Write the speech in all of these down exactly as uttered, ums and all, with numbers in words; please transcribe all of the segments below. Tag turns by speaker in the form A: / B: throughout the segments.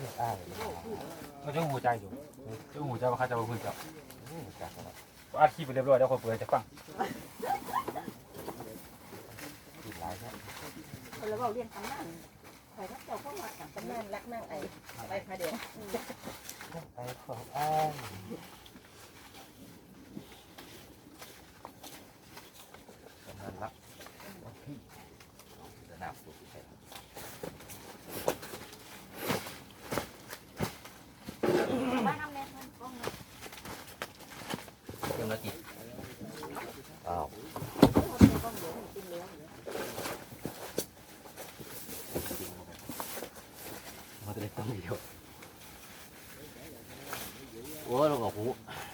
A: อ้ายเขาจะหูใจอยู่จะหูใจว่าเขาจะมาคุยกับอาชีพไปเรียบร้อยแล้วคนเปิดจะฟังติดหลายแค่
B: คนเราเรียนตำนานใครก็เจ้าก็มาตำนานรักนั่งไอ้ไปพาเดียว
A: ไปของอ้ายกำลังรับพี่จะนับสุดแค่
B: บ้านน้ำแน่นก้องเนาะ
A: เรื่องละกี่อ้าวมาจะได้ต้องเดียวโอ้ลงกับหู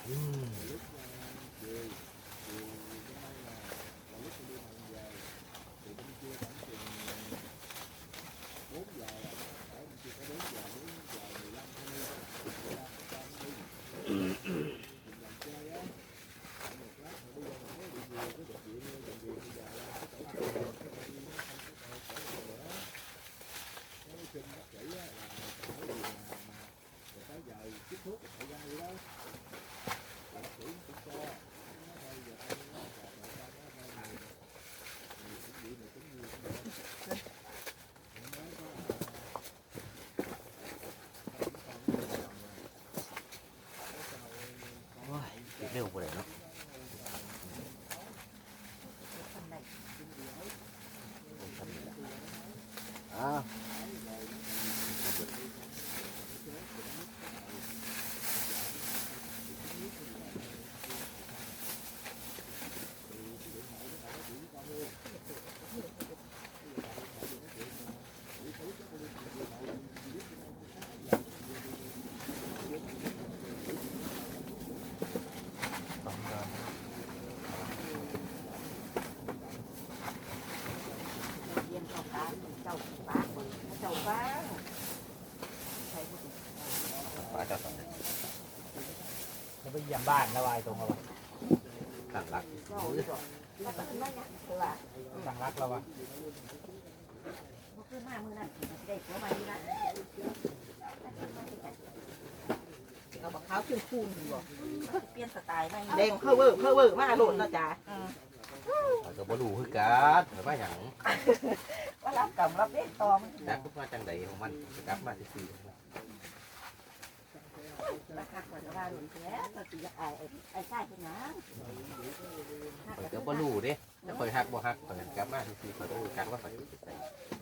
A: เร็วไปเลยเนาะอ้าวแล้วไปเยี่ยมบ้านแล้ววายตรงเราต่างรักต่างรักเราวะ
B: ขึ้นมามือนั่นได้หัวมาดีละเอาบักขาวขึ้นคูนอยู่เปลี่ยนสไตล์ไม่แดงเพิ่มเวอร์เพิ่มเวอร์มาโหลดนะจ๊ะ
A: ก็บ่รู้คือกันหรือว่าอย่าง
B: ว่ารับกรรมรับเล่นตอม
A: จากทุกมาจังใดของมันจะกลับมาสี่
B: ราคาขวดละบาทหนึ่งแค่ตัวตีไอ้ไอ้ใช่เป็นน้
A: ำก็บ่รู้เด้จะคอยหักบ่หักตอนนั้นกลับมาสี่คอยรู้กันว่าคอยจะใส่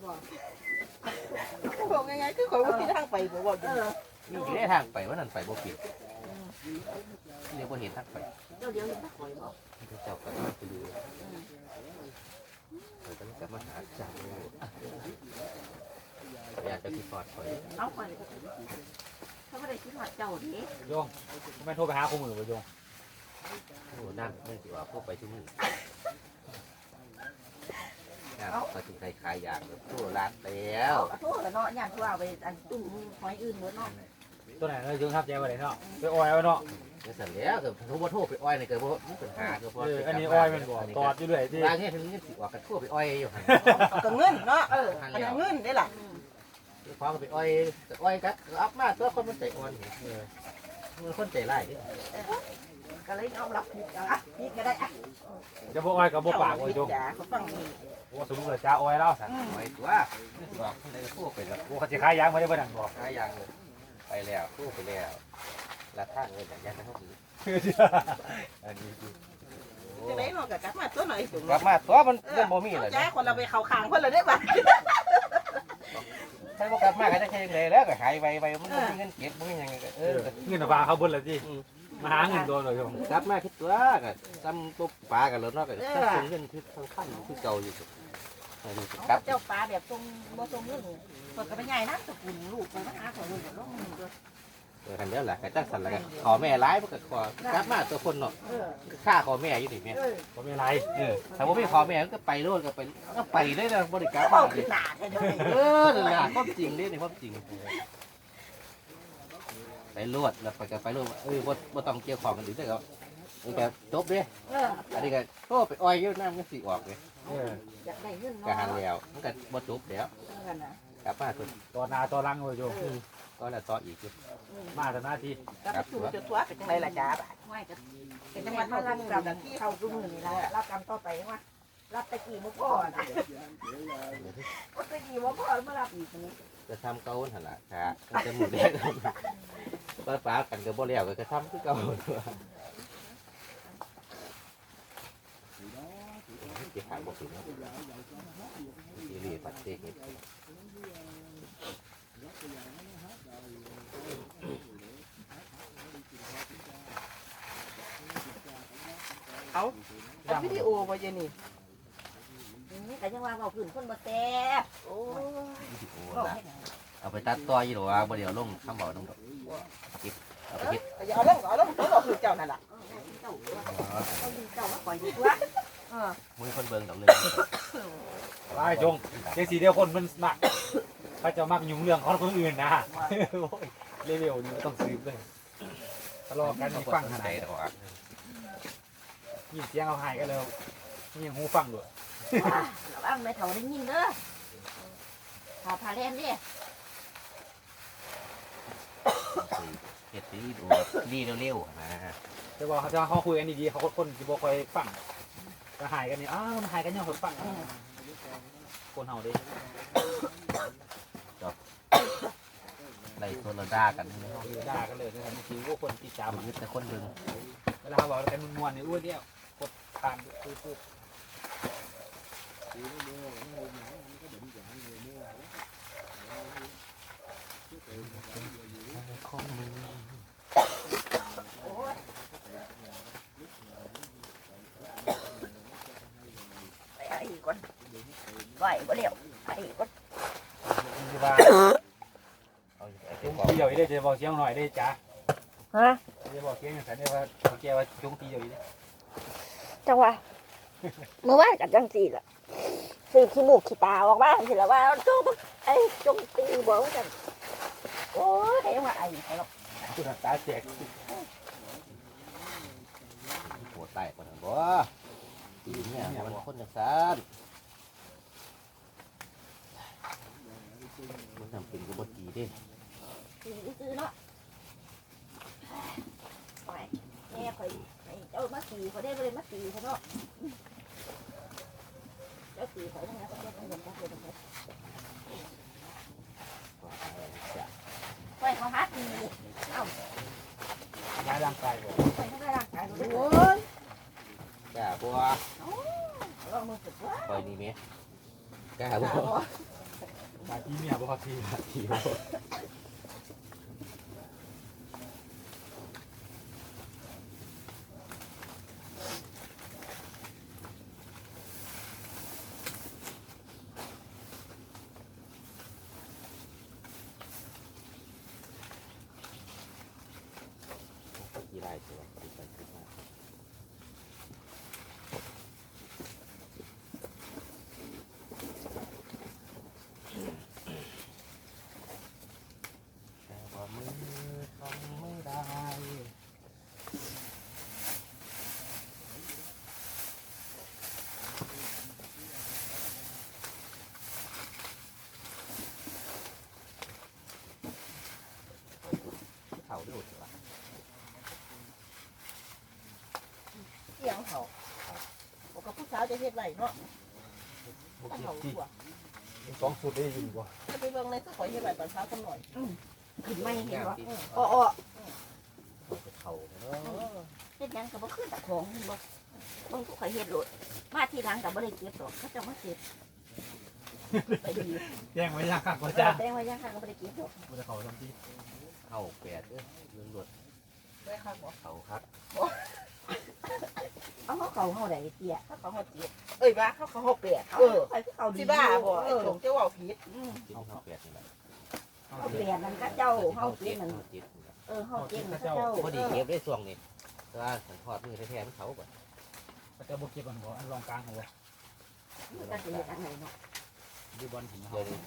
B: บอกง่ายๆคือคอยว่าที่ทางไปบ่บอก
A: มีที่ได้ทางไปว่านั่นไปบ่ผิดเรียกว่าเห็นทางไป
B: เดี๋ยวเดี๋ยวเห็นทางไปบอก
A: เจ้าก็ไปดูเราต้องกลับมาหาจังอยากจะคิดพอดคอย
B: เอาไปเขาไม่ได้คิดว่าเจ้าดิ
A: โยงไม่โทรไปหาคู่มือไปโยงโอ้นั่งไม่ถือว่าพวกไปชั่วโมงเขาถึงใครขายอย่างแบบทั่วร้านแล้ว
B: ทั่วแล้วเนาะย่างทั่วไปอันตุ้มหอยอื่นหมดเนาะ
A: ตัวไหนเราโยงทับใจว่าไหนเนาะไปอ้อยเอาเนาะจะเสร็จแล้วเกิดทั่วทั่วไปอ้อยในเกิดว่ามีปัญหาเกิดว่าอันนี้อ้อยมันบ่ตอดอยู่เลยที่ร้านนี้ถึงนี่สิว่ากันทั่วไปอ้อยอยู่
B: ก็เงินเนาะเอออันเงินได้หรอ
A: พอไปอ้อยอ้อยกัดอัพมาตัวคนมันใจอ่อนมันคนใจไร้
B: ก็เลยเอารับผิดอ่ะนี่ก็ได้อ่ะ
A: จะบอกอ้อยกับบอกปากอ้อยจง
B: เขาฟัง
A: ว่าสมมติจ้าอ้อยแล้วสั่งอ้อยตัวบอกในทั่วไปแล้วว่าเขาจะขายยางไม่ได้เพื่อนบอกขายยางเลยไปแล้วทั่วไปแล้วราคาเงินอย่างนี้นะครับอันนี้คือ
B: จะได้หรอกกลับมาตัวหน่อย
A: กลับมาตัวมันเป็นบ่มีเลย
B: จ้าคนเราไปเข่าคางเพื่อนเลยได้ป่ะ
A: ใช่พวกกลับมาก็จะแค่ยังไงแล้วก็หายไปไปมันไม่มีเงินเก็บไม่มียังไงเออเงินปลาเขาบนเลยจีมาหาเงินโดนเลยครับกลับมาคิดตัวก็จำปุ๊บปลากันแล้วเนาะก็ส่งเงินคือทางขั้นคือเก่าอยู่
B: กลับเจ้าปลาแบบทรงบ่ทรงเรื่องเปิดกระเป็นใหญ่นะตะกุนลูกไปมาหาขอลูกแบบลูกมึงด้วย
A: เออคันเดียวแหละกระจังสันแล้วกันขอแม่ร้ายมันก็ขอกลับมาตัวคนเนาะฆ่าขอแม่อยู่ดิแม่ขอแม่ร้ายเออถ้าว่าไม่ขอแม่ก็ไปโน่นก็ไปก็ไปได้นะบริการ
B: มาเลย
A: เออนั่นแหละความจริงนี่ในความจริงไปรวดแล้วไปกันไปรวดเออบ่บ่ต้องเกี่ยวของกันหรือได้ก็มันก็จบเด้อันนี้ก็โตไปอ้อยอยู่น้ำมันสีออกเลย
B: อยากได้เงิน
A: กะหันแล้วมันก็บ่จบแล้วกลับมาตัว
C: ต่อหนาต่อหลังเลยโยม
A: ก็แล้วต่ออีกอยู่
C: มาแต่หน้าที่
B: ก็ไปสู่จุดตัวเป็นจังไรล่ะจ้าบ่ไม่ก็เป็นจังหวัดมารับกรรมเข้ารุ่งนี่ละรับกรรมต่อไปว่ารับตะกี้มุกพ่อนะตะกี้มุกพ่อมารับอีกนี้
A: จะทำเก่าหันละค่ะจะหมุนแดงป้าป้ากันกับบ่แล้วก็จะทำคือเก่าที่หางบ่ถึงที่รีปัดเตก
B: เอาเอาวิดีโอมาเยนี่
D: แต่ยังว่าเอาขึ้นคนบ่แซ่บ
B: โอ้
A: เอาไปตัดต่อยี่หรอว่าบ่เดี๋ยวลงคำบอกน้องดอกกิบเอาไปคิด
B: ยเอาลงเอาลงตัวเราคือเจ้านั่นแหละ
D: เจ้าเอาดีเจ้ามาปล่อยดีกว่า
A: มือคนเบิ่งดอกเลย
C: ไอ้จงเจ๊สีเดียวคนมันมักเขาจะมักยุ่งเรื่องของคนอื่นนะเร็วๆนี่ไม่ต้องซื้อเลยทะเลาะกันมีฟังขนาด
A: ใจดอก
C: ยินเสียงเอาหายกันแล้วนี่ยังหูฟังด้วย
D: ระวังไม่เท่าได้ยินเด้อพาพาเล่นดิ
A: เฮ็ดดีดูดีเร็วๆนะ
C: แต่ว่าเขาจะเขาคุยกันดีๆเขาคนที่บ่คอยฟังจะหายกันนี่อ้าวมันหายกันยังคนฟังคนเฮาดิ
A: ไล่โซลดากันนี่
C: ด่ากันเลยนะครับบางทีพวกคนติดตาม
A: ยึดแต่คนเบิ่ง
C: เวลาเขาบอกกันมวนๆนี่อ้วนเดียวกดตามปุ๊บ
A: ของมึง
D: ไปไอ้ก่อนไหวบ่เร็วไอ้ก่อน
C: คือว่า
A: เอาไอ้
C: จุ
A: เจ้าง บอก
C: ตีเดียวอีได้จะบอกเสียงหน่อยได้จ้า
D: ฮะ
C: จะบอกเสียงอย่างไรเนี่ยว่าเขาแกว่าจุงตีเดียวอีได้
D: จังหวะเมื่อวานกับจังสี่ล่ะสี่ขี้มูกขี้ตาออกบ้านสิละว่าจงไอ้จงตีบอกว่าจังโอ้ยแต่ยังว่าไอ้ไอ้หรอก
C: คุณตาแจก
A: ปวดไตปวดหัวบ่ตีเนี่ยมันคนจะซ่านมันทำเป็นกูบ่ตีดิ
D: ตีซื้อเนาะไปแม่คอยให้เจ้ามาตีเขาได้บ่ได้มาตีเขาเนาะเจ้าตีเขาเนี่ยเขาจะต้องเงินเขาเลยต้องไปเขาฮัดตีเอ้า
C: ย้ายร่างกายบอก
D: ไปทำลายร่างกายเขาด้วย
B: โอ้ย
A: กล้าบ่
D: ลองมือฝึกว่า
A: ปล่อยนี่แม่กล้าบ่
C: มาทีเมียบอกที
A: ทีบ่ กี่ไรตัวกี่ไปกี่มาแต่ว่ามือทำไม่ได้เขาดูดวะ
B: เสียงเขาบอกกับผู้สาวจะเฮ็ดไรเนาะ
C: บอก
B: ถ้า
C: ที
B: เขา
C: ที่
B: ตัว
C: สองสุดได้ยินบ่
B: ถ้าไปเบิ่งในก็ขอเฮ็ดไรตอนเช้ากันหน่อย
D: ขึ้นไม่เห็นว่า
B: อ้ออ้อ
A: เขาเนาะ
D: เฮ็ดยังกับบ่ขึ้นตะของบ่บ่ทุกข่อยเฮ็ดโลดมาทีหลังกับบ่ได้เก็บหรอกเขาจะมาเก็บไปดี
C: แย่งไว้ยากกว่าจ้า
D: แตงว่ายังค่ะก็บ่ได้เก็บหรอก
C: บ่ได้เขาทำที่
A: เขาแปดเอ้ยเรื่องรถ
B: ได้ค่ะบอก
A: เขาครับ
D: เอาเขาเขาเฮาได้เตี้ย
B: ถ้าเขาหดเจ็ดเอ้ยบ้าเขาเขาหกแปด
D: เอา
B: เออ
D: ไปคือเขาดี
B: สิบ้าบ่ไอ้หลงเจ้าว่าผิด
D: อืม
A: กินเขาแปดนี่แหละ
C: เขา
D: เขา
C: เป
D: เป
C: ลี่
D: ลี่
C: ย
D: ยนนั่นก็เจ้าเฮาเก็บมัน
A: เขาจิต
D: เออเฮาเก็บมันก็เจ้า
A: พอดีเก็บได้ช่วงนี้แต่ว่าสันทอดมือแท้ๆมันเขาก่อน
C: เขาจะบ่เก็บมันบ่อันรองกลางเขาบ่
D: มันก็สิเฮ็ดอันไหนเนาะ
C: ดูบอลหิน
A: เดี๋ยวนี้